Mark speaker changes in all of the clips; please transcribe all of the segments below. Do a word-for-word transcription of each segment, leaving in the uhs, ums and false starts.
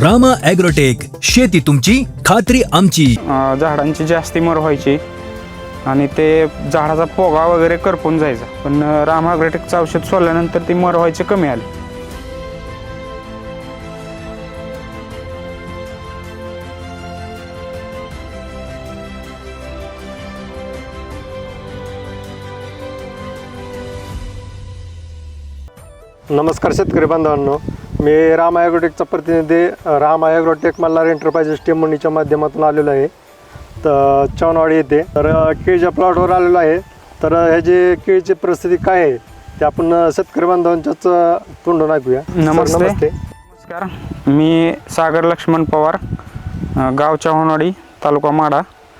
Speaker 1: Rama agrotech, शेती तुमची खात्री आमची.
Speaker 2: अ, झाडांची जास्ती मर व्हायची आणि ते झाडाचा पोगा वगैरे करपून जायचा, पण अ, रामा ॲग्रोटेकचं औषध सोडल्यानंतर ती मर व्हायची कमी आली.
Speaker 3: नमस्कार शेतकरी बांधवांनो, मी राम ॲग्रोटेकचा प्रतिनिधी राम ॲग्रोटेक मल्हार एंटरप्राइजेस टेंबुर्णीच्या माध्यमातून आलेलो आहे. तर चौनवाडी येथे तर केळीच्या प्लॉटवर आलेलो आहे. तर ह्याची केळीची परिस्थिती काय आहे ते आपण शेतकरी बांधवांच्याच तोंडून ऐकूया.
Speaker 2: नमस्ते.
Speaker 3: सर, नमस्ते.
Speaker 2: नमस्कार, मी सागर लक्ष्मण पवार, अ, गाव चौनवाडी, तालुका माढा.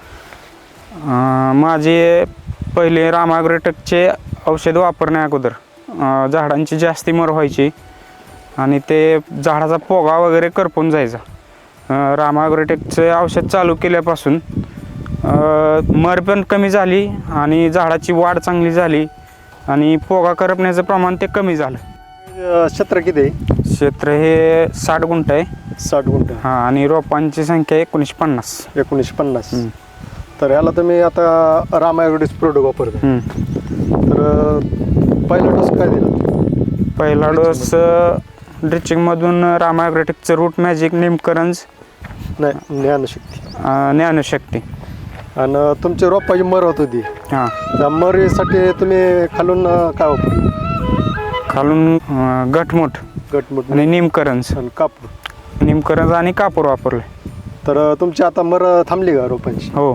Speaker 2: अ, माझे पहिले रामा ॲग्रोटेकचे औषध वापरण्या अगोदर अ, झाडांची जास्ती मर व्हायची आणि ते झाडाचा पोगा वगैरे करपून जायचा. अ, रामा ॲग्रोटेकचं औषध चालू केल्यापासून अ, मर पण कमी झाली आणि झाडाची वाढ चांगली झाली आणि पोगा करपण्याचं प्रमाण ते कमी झालं.
Speaker 3: अं, क्षेत्र किती आहे?
Speaker 2: क्षेत्र हे साठ गुंठ आहे.
Speaker 3: साठ गुंठ.
Speaker 2: हां, आणि रोपांची संख्या एकोणीसशे पन्नास.
Speaker 3: एकोणीसशे पन्नास.
Speaker 2: हं.
Speaker 3: तर ह्याला तुम्ही आता राम ॲग्रोटेक प्रोडक्ट वापरता.
Speaker 2: हं.
Speaker 3: तर अं, पहिला डोस काय दिला?
Speaker 2: पहिला डोस ड्रिचिंगमधून रामा ॲग्रोटेकचं रूट मॅजिक, निमकरंज,
Speaker 3: नाही, ज्ञानशक्ती.
Speaker 2: अ, ज्ञानशक्ती.
Speaker 3: आणि तुमची रोपाची मर होत होती,
Speaker 2: हां,
Speaker 3: त्या मरीसाठी तुम्ही खालून अं, काय वापरलं?
Speaker 2: खालून अ, गटमुट
Speaker 3: गटमुट
Speaker 2: आणि निमकरंज.
Speaker 3: आणि कापूर.
Speaker 2: निमकरंज आणि कापूर वापरले.
Speaker 3: तर अं, तुमची आता मर थांबली का रोपांची?
Speaker 2: हो.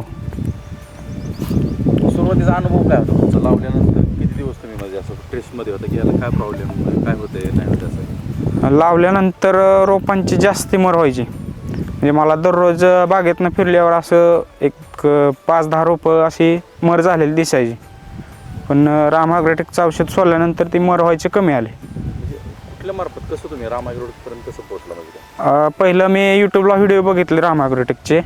Speaker 4: सुरुवातीचा अनुभव काय होता तुमचा? लावल्यानंतर किती दिवस तुम्ही म्हणजे असं टेस्टमध्ये होतं की याला काय प्रॉब्लेम काय होते नाही होते असं?
Speaker 2: लावल्यानंतर रोपांची जास्ती मर व्हायची. म्हणजे मला दररोज बागेतनं फिरल्यावर असं एक अ, पाच दहा रोपं अशी मर झालेली दिसायची, पण रामा ॲग्रोटेकचं औषध सोडल्यानंतर ती मर व्हायची कमी आली.
Speaker 4: म्हणजे कुठल्या मार्फत कसं तुम्ही राम ॲग्रोटेकपर्यंत कसं पोहोचला म्हणजे?
Speaker 2: अ, पहिलं मी यूट्यूबला व्हिडिओ बघितले रामा ॲग्रोटेकचे,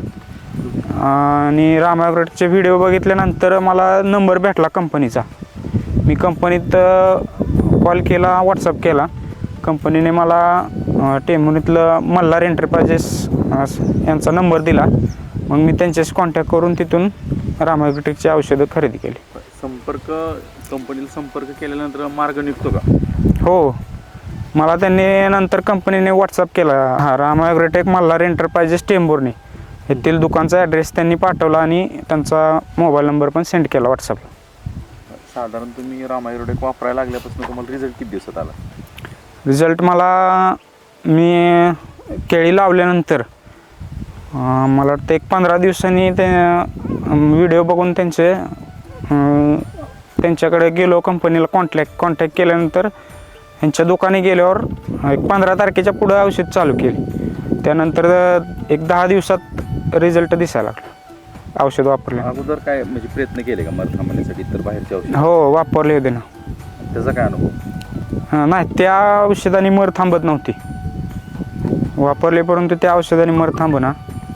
Speaker 2: आणि रामा ॲग्रोटेकचे व्हिडिओ बघितल्यानंतर मला नंबर भेटला कंपनीचा. मी कंपनीत कॉल केला, व्हॉट्सअप केला. कंपनीने मला टेंबुर्णीतलं मल्हार एंटरप्राइजेस यांचा नंबर दिला. मग मी त्यांच्याशी कॉन्टॅक्ट करून तिथून रामा ॲग्रोटेकची औषधं खरेदी केली.
Speaker 4: संपर्क कंपनीला संपर्क केल्यानंतर मार्ग निघतो का?
Speaker 2: हो, मला त्यांनी नंतर कंपनीने व्हॉट्सअप केला. हां, रामा ॲग्रोटेक मल्हार एंटरप्राइजेस टेंबुर्णी येथील दुकानचा ॲड्रेस त्यांनी पाठवला आणि त्यांचा मोबाईल नंबर पण सेंड केला व्हॉट्सअपला.
Speaker 4: साधारण तुम्ही राम ॲग्रोटेक वापरायला लागल्यापासून तुम्हाला रिझल्ट किती दिवसात आला?
Speaker 2: रिझल्ट मला, मी केळी लावल्यानंतर अं, मला वाटतं एक पंधरा दिवसांनी ते व्हिडिओ बघून त्यांचे अं, त्यांच्याकडे गेलो. कंपनीला कॉन्टॅक्ट कॉन्टॅक्ट केल्यानंतर यांच्या दुकानी गेल्यावर एक पंधरा तारखेच्या पुढं औषध चालू केली. त्यानंतर एक दहा दिवसात रिझल्ट दिसायला लागला औषध वापरले.
Speaker 4: अगोदर काय म्हणजे प्रयत्न केले का मर थांबण्यासाठी तर बाहेरच्या औषध?
Speaker 2: हो, वापरले होते ना.
Speaker 4: त्याचा काय अनुभव?
Speaker 2: हां, नाही, त्या औषधाने मर थांबत नव्हती. वापरले परंतु त्या औषधाने मर थांबना.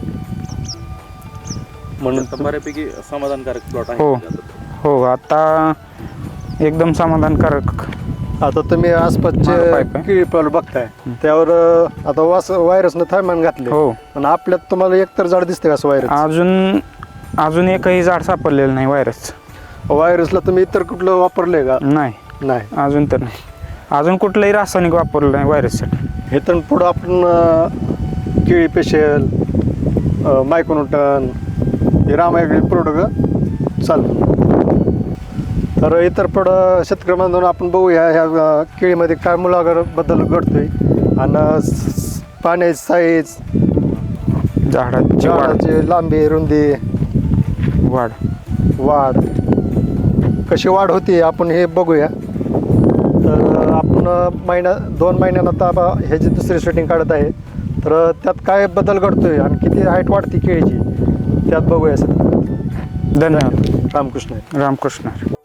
Speaker 3: म्हणून
Speaker 4: आता बऱ्यापैकी समाधानकारक प्लॉट आहे.
Speaker 2: हो. हो, आता एकदम समाधानकारक.
Speaker 3: आता तुम्ही
Speaker 2: मार
Speaker 3: आसपासचे
Speaker 2: पाईप आहे.
Speaker 3: केळी प्लॉट बघताय, त्यावर अं, आता वास व्हायरसनं थैमान घातले.
Speaker 2: हो.
Speaker 3: आणि आपल्यात तुम्हाला एकतर झाड दिसते का असं व्हायरस?
Speaker 2: अजून अजून एकही झाड सापडलेलं नाही व्हायरस.
Speaker 3: व्हायरसला तुम्ही इतर कुठलं वापरलंय का?
Speaker 2: नाही,
Speaker 3: नाही.
Speaker 2: अजून तर नाही. अजून कुठलंही रासायनिक वापरलं नाही व्हायरससाठी.
Speaker 3: हे तर पुढं आपण अं, केळी पेशल, मायकोनोटन, हे राम ॲग्रोटेक प्रोडक्ट चालतं. तर इतर पुढं शेतकरी बांधवांनो आपण बघूया ह्या अं, केळीमध्ये काय मुलागर बदल घडतोय आणि स- पाण्याची साईज,
Speaker 2: झाडाची वाढ
Speaker 3: झाडाची लांबी, रुंदी,
Speaker 2: वाढ
Speaker 3: वाढ कशी वाढ होती आपण हे बघूया. तर आपण महिना दोन महिन्यानं आता बा ह्याची दुसरी शूटिंग काढत आहे. तर त्यात काय बदल घडतोय आणि किती हाईट वाढते केळीची त्यात बघूया सर.
Speaker 2: धन्यवाद.
Speaker 3: रामकृष्ण.
Speaker 2: रामकृष्ण.